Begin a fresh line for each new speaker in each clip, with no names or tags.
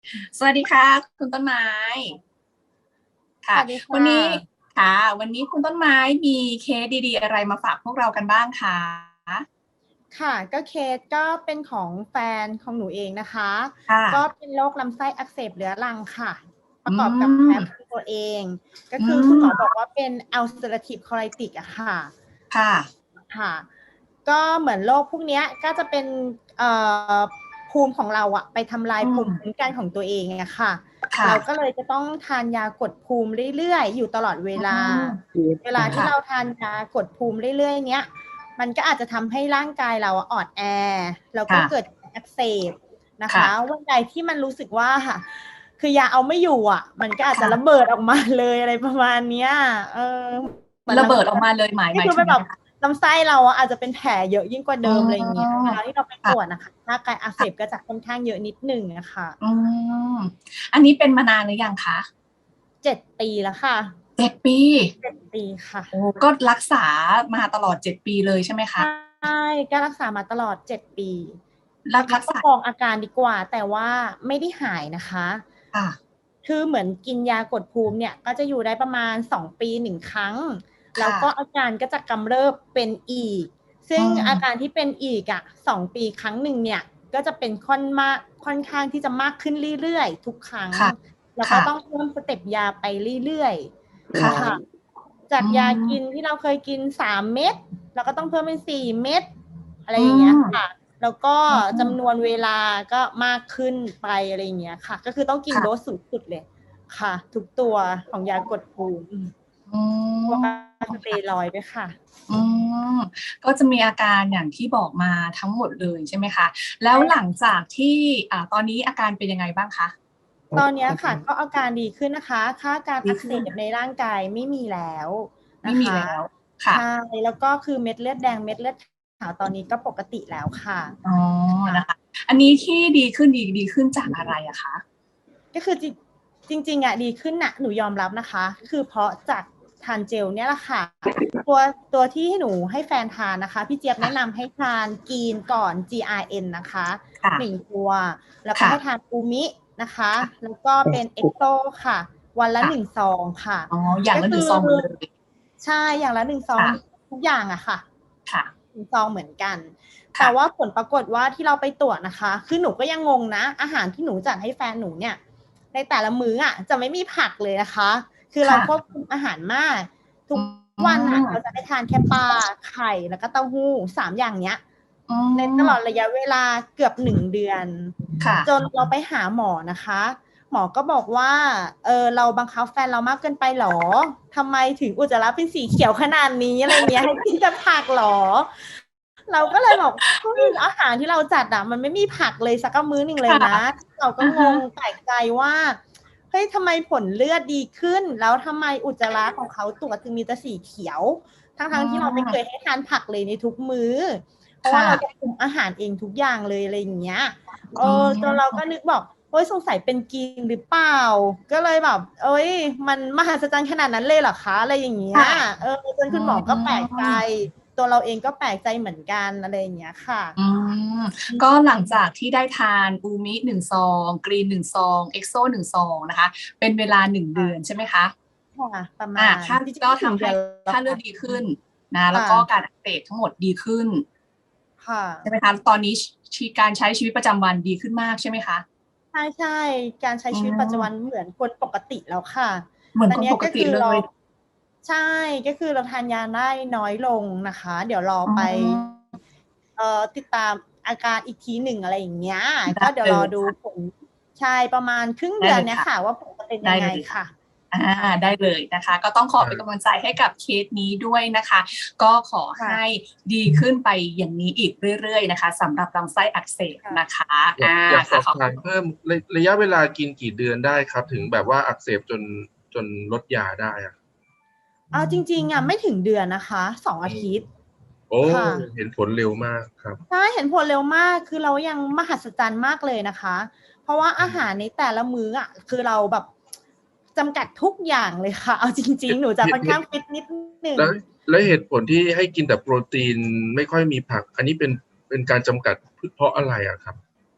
สวัสดีค่ะคุณต้นไม้
ส
ค่ะ
วัสดีค่
วันนี้
ะ
ค่ะวันนี้คุณต้นไม้มีเคสดีๆอะไรมาฝากพวกเรากันบ้างคะ
ค่ะก็เคสก็เป็นของแฟนของหนูเองนะคะ
ค่ะ
ก็เป็นโรคลำไส้อักเสบเรื้อรังค่ะป
อื
ระกอบกับ
ม
แพ้ภูมิตัวเองก็
อื
คือคุณหมอบอก
ม
ว่าเป็น ulcerative colitis อะค่ะ
ค่ะ
ค่ะก็เหมือนโรคพวกนี้ก็จะเป็นเอ่อภูมิของเราอะไปทำลาย
อื
ภูมิคุ้ม
ม
กันของตัวเองอะค่ะ
ค่ะ
เราก็เลยจะต้องทานยากดภูมิเรื่อยๆอยู่ตลอดเว
อื
ลา
ม
เวลาที่
ค่ะ
เราทานยากดภูมิเรื่อยๆเนี้ย มันก็อาจจะทำให้ร่างกายเราอ่อนแอแล้วก็
ค่ะ
เกิดอักเสบนะคะ
ค่ะ
วันใดที่มันรู้สึกว่าคือยาเอาไม่อยู่อ่ะมันก็อาจจะระ
ค่ะ
เบิดออกมาเลยอะไรประมาณเนี้ยเออเหมือน
ระเบิด
ลำไส้
ออกมาเลยหมาย
ก็
หมาย
คือเป็นแบบ
ถึงยังไงคะ
ลำไส้เราอาจจะเป็นแผลเยอะยิ่งกว่า
อ๋
เดิมอะไรอย่างเงี้ย
อ
เวลาที่เราไปตรวจ
ค่ะ
นะคะร่างกายอักเสบก็จะค่อนข้างเยอะนิดหนึ่งนะคะ
อืมอันนี้เป็นมานานหรือยังคะ
7 ปีแล้วค่ะ
7 ปี
7 ปีค่ะ
โอ้ก็รักษามาตลอด7 ปีเลยใช่ไหมคะ
ใช่ก็รักษามาตลอด7 ปี
รั
ประคับประ
กษา
คองอาการดีกว่าแต่ว่าไม่ได้หายนะคะ
ค่ะ
คือเหมือนกินยากดภูมิเนี่ยก็จะอยู่ได้ประมาณ2 ปี1 ครั้งแล้ว
ค่ะ
ก็อาการก็จะกำเริบเป็นอีกซึ่
อื
งอาการ
ม
ที่เป็นอีก2 ปีครั้งหนึ่งเนี่ยก็จะเป็นค่อนข้างที่จะมากขึ้นเรื่อยๆทุกครั้ง
ค่ะ
แล้วก็
ค่ะ
ต้องเพิ่มสเต็ปยาไปเรื่อยๆ
ค่ะ
ค่ะจาก
อื
ยากิน
ม
ที่เราเคยกิน3 เม็ดเราก็ต้องเพิ่มเป็น4 เม็ดอะไร
อื
อย่างเงี้ย
ม
ค่ะ แล้วก็
อื
จำน
ม
วนเวลาก็มากขึ้นไปอะไรอย่างเงี้ยค่ะก็คือต้องกินโดส
ค่ะ
สูงสุดเลยค่ะทุกตัวของยากดภูมิ
อื
พวก
ม
สเตียรอยด์ด้วยค่ะ
อืมก็จะมีอาการอย่างที่บอกมาทั้งหมดเลยใช่ไหมคะแล้ว
ใช่
หลังจากที่ตอนนี้อาการเป็นยังไงบ้างคะ
ตอนนี้ค่ะก็อาการดีขึ้นนะคะค่าการอักเส
ดีขึ้น
บในร่างกายไม่มีแล้ว
ไม่
นะคะ
มีแล้วค่ะ
ใช่แล้วก็คือเม็ดเลือดแดงเม็ดเลือดขาวตอนนี้ก็ปกติแล้วค่ะ
อ๋อนะคะอันนี้ที่ดีขึ้นดีขึ้นจากอะไรอะคะ
ก็คือจริงๆอ่ะดีขึ้นนะหนูยอมรับนะคะคือเพราะจากทานเจลเนี่ยแหละค่ะ ตัวตัวที่หนูให้แฟนทานนะคะพี่เจี๊ยบ
ค่ะ
แนะนำให้ทานกีนก่อน GRN นะคะ
ค่ะ
1 ตัวแล้วก็
ค่ะ
ให้ทานอูมินะคะ
ค่ะ
แล้วก็เป็นเอ็กโซค่ะวันละ
ค่ะ
1 ซองค่ะ
อ๋ออย่าง
ก็คือ
ละ1 ซองเลย
ใช่อย่างละ1 ซอง
ค่ะ
ทุกอย่างอะค่ะ
ค่ะ
1 ซองเหมือนกันแต่
ค่ะ
ว่าผลปรากฏว่าที่เราไปตรวจนะคะคือหนูก็ยังงงนะอาหารที่หนูจัดให้แฟนหนูเนี่ยในแต่ละมื้ออะจะไม่มีผักเลยนะคะคือเรา
ค่ะ
ควบคุมอาหารมากทุ
อื
ก วันอ่ะเราจะ
ม
ได้ทานแค่ปลาไข่แล้วก็เต้าหู้3 อย่างเนี้ย
อื
ในตลอด
ม
ระยะเวลาเกือบ1 เดือน
ค่ะ
จนเราไปหาหมอนะคะหมอก็บอกว่าเราบังคับแฟนเรามากเกินไปหรอทำไมถึงอุจจาระเป็นสีเขียวขนาดนี้อะไรเงี้ยให้กินแต่ผักหรอเราก็เลยบอกเฮ้ยอาหารที่เราจัดอ่ะมันไม่มีผักเลยสักมื้อหนึ่งเลย
ค่ะ
นะเราก็
อ่าฮะ
งงแปลกใจว่าเฮ้ยทำไมผลเลือดดีขึ้นแล้วทำไมอุจจาระของเขาตรวจจึงมีแต่สีเขียวทั้ง
อื
ๆที่เราไม่เคย
ม
ให้ทานผักเลยในทุกมื้อเพราะว่า
ค่ะ
เราจะคุมอาหารเองทุกอย่างเลยอะไรอย่างเงี้ย
อื
จนเราก็
ม
นึกบอกเฮ้ยสงสัยเป็นกีนหรือเปล่าก็เลยแบบเอ้ยมันมหัศจรรย์ขนาดนั้นเลยเหรอคะอะไรอย่างเงี้ย
ค่ะ
จน
อื
คุณหมอก็แปลกใจ
ม
ตัวเราเองก็แปลกใจเหมือนกันอะไรอย่างเงี้ยค่ะ
อืมก็หลังจากที่ได้ทานอูมิ1 ซองกรีน1 ซองเอ็กโซ1 ซองนะคะเป็นเวลา1 เดือนใช่ไหมคะ
ค่ะประมาณ
ค่า
จริง
ก็ทำให้
ๆไม่ถึงเดือนแล้ว
ค่าเลือ
ค่ะ
ดดีขึ้นนะแล้ว
ค่ะ
ก็การอักเสบทั้งหมดดีขึ้น
ค่ะ
ใช่ไหมคะตอนนี้การใช้ชีวิตประจำวันดีขึ้นมากใช่ไหมคะ
ใช่ใช่การใช้
อื
ชีวิตปัจจุบัน
ม
เหมือนคนปกติแล้วค่ะ
เหมือน
ตอนนี้
คนปก
ก็คือเรา
ติเลย
ใช่ก็คือเราทานยาได้น้อยลงนะคะเดี๋ยวรอ
อ๋
ไป
อ
ติดตามอาการอีกทีหนึ่งอะไรอย่างเงี้ยก็
ได้เล
เดี๋ยวรอดู
ยค่ะ
ผลใช่ประมาณครึ่ง
ได้
เดือน
เลยค่ะ
เนี้ยค่ะว่าผลจะเป็น
ได้
ยังไง
เลยค่ะ
ค่ะ
อ่า
ค่ะ
ได้เลยนะคะ ก็ต้องขอเป็นกำลังใจให้กับเคสนี้ด้วยนะคะ ก็ขอให้
ค่ะ
ดีขึ้นไปอย่างนี้อีกเรื่อยๆนะคะสำหรับลำไส้อักเสบ
ค่ะ
นะคะ
อยากส
ค่ะ
อบถามเพิ่มระยะเวลากินกี่เดือนได้ครับถึงแบบว่าอักเสบจนลดยาได้อะ
เอาจริงๆอ่ะไม่ถึงเดือนนะคะ2 อาทิตย์
โอ้
ค่ะ
เห็นผลเร็วมากครับ
ใช่เห็นผลเร็วมากคือเรายังมหัศจรรย์มากเลยนะคะเพราะว่าอาหารในแต่ละมื้ออ่ะคือเราแบบจำกัดทุกอย่างเลยค่ะเอาจริงๆหนูจะค่อน
เหตุเหตุ
ข้างฟิตนิดหนึ่ง
แล้วและเหตุผลที่ให้กินแต่โปรตีนไม่ค่อยมีผักอันนี้เป็นการจำกัดเพราะอะไรอะครับ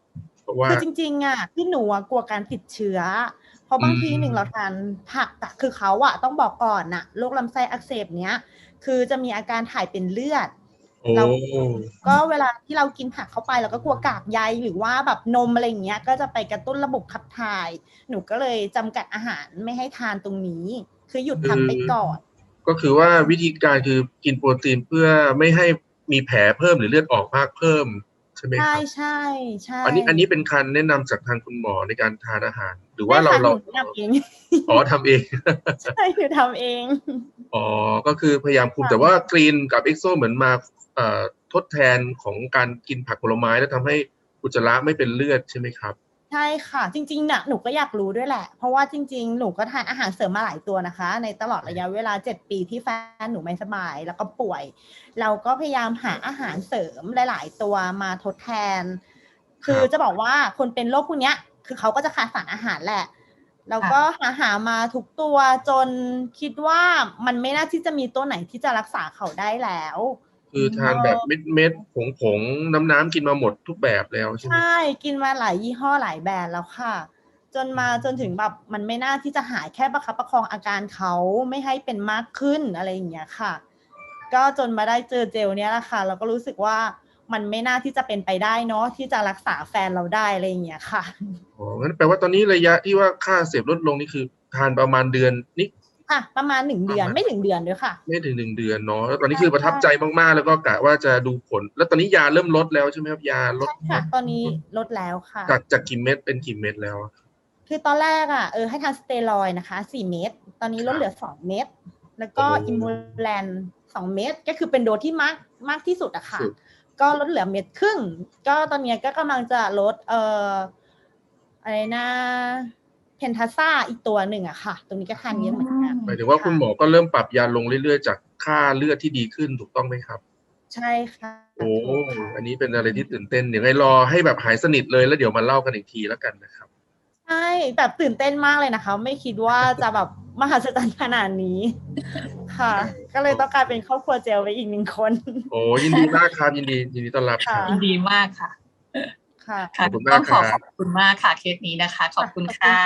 เพราะว่า
คือจริงๆที่หนูกลัวการติดเชื้อ เพราะบางทีหนึ่งเราทานผักแต่คือเขาต้องบอกก่อนโรคลำไส้อักเสบเนี้ยคือจะมีอาการถ่ายเป็นเลือด เราก็เวลาที่เรากินผักเข้าไปเราก็กลัวกากใยหรือว่าแบบนมอะไรอย่างเงี้ยก็จะไปกระตุ้นระบบขับถ่ายหนูก็เลยจำกัดอาหารไม่ให้ทานตรงนี้คือหยุดทำไปก่อน
ก็คือว่าวิธีการคือกินโปรตีนเพื่อไม่ให้มีแผลเพิ่มหรือเลือดออกมากเพิ่มใช่ไหมครับ
ใช่
อันนี้เป็นการแนะนำจากทางคุณหมอในการทานอาหารหรือว่าเรา
ทำเอง
ทำเอง
ใช่คือทำเอง
ก็คือพยายามคุมแต่ว่ากรีนกับเอ็กโซเหมือนมาทดแทนของการกินผักผลไม้แล้วทำให้อุจจาระไม่เป็นเลือดใช่ไหมครับ
ใช่ค่ะจริงๆหนูก็อยากรู้ด้วยแหละเพราะว่าจริงๆหนูก็ทานอาหารเสริมมาหลายตัวนะคะในตลอดระยะเวลา7 ปีที่แฟนหนูไม่สบายแล้วก็ป่วยเราก็พยายามหาอาหารเสริมหลายๆตัวมาทดแทนคือจะบอกว่าคนเป็นโรคพวกนี้คือเขาก็จะขาดสารอาหารแหละแล้วก็หามาทุกตัวจนคิดว่ามันไม่น่าที่จะมีตัวไหนที่จะรักษาเขาได้แล้ว
คือทานแบบเม็ดผงน้ำกินมาหมดทุกแบบแล้วใช่ไหม
ใช่กินมาหลายยี่ห้อหลายแบรนด์แล้วค่ะจนถึงแบบมันไม่น่าที่จะหายแค่ประคับประคองอาการเขาไม่ให้เป็นมากขึ้นอะไรอย่างเงี้ยค่ะก็จนมาได้เจอเจลเนี้ยแหละค่ะเราก็รู้สึกว่ามันไม่น่าที่จะเป็นไปได้เนาะที่จะรักษาแฟนเราได้อะไรอย่างเงี้ยค่ะ
งั้นแปลว่าตอนนี้ระยะที่ว่าค่าเสพลดลงนี่คือทานประมาณเดือนนี้
ค่ะประมาณ1 เดือนไม่ถึงเดือนด้วยค่ะ
ไม่ถึง1 เดือนเนาะแล้วตอนนี้คือประทับใจมากๆแล้วก็กะว่าจะดูผลแล้วตอนนี้ยาเริ่มลดแล้วใช่ไหมครับยาลด
ค่ะตอนนี้ลดแล้วค่ะ
จากกี่เม็ดเป็นกี่เม็ดแล้ว
คือตอนแรกให้ทานสเตียรอยด์นะคะ4 เม็ดตอนนี้ลดเหลือ2 เม็ดแล้วก็อิมูแลน2 เม็ดก็คือเป็นโดสที่มากที่สุดอะค่ะก็ลดเหลือ1.5 เม็ดก็ตอนนี้ก็กำลังจะลดอะไรนะเพนทาซ่าอีกตัวหนึ่งอะค่ะตรงนี้ก็ทานเยอะเหมือนกัน
หมายถึงว่าคุณหมอก็เริ่มปรับยาลงเรื่อยๆจากค่าเลือดที่ดีขึ้นถูกต้องไหมครับ
ใช่ค่ะ
อันนี้เป็นอะไรที่ตื่นเต้นเดี๋ยวให้รอให้แบบหายสนิทเลยแล้วเดี๋ยวมาเล่ากันอีกทีแล้วกันนะครับ
ใช่แบบตื่นเต้นมากเลยนะคะไม่คิดว่าจะแบบมหัศจรรย์ขนาดนี้ค่ะก็เลยต้องกลายเป็นครอบครัวเจลไปอีก1 คน
ยินดีมากครับยินดีต้อนรับ
ค่ะยินดีมากค่ะ
ขอบคุณมาก
ขอบคุณมากค่ะเคสนี้นะคะขอบคุณค่ะ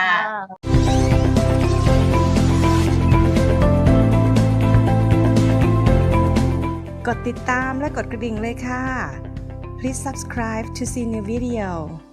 กดติดตามและกดกระดิ่งเลยค่ะ Please subscribe to see new video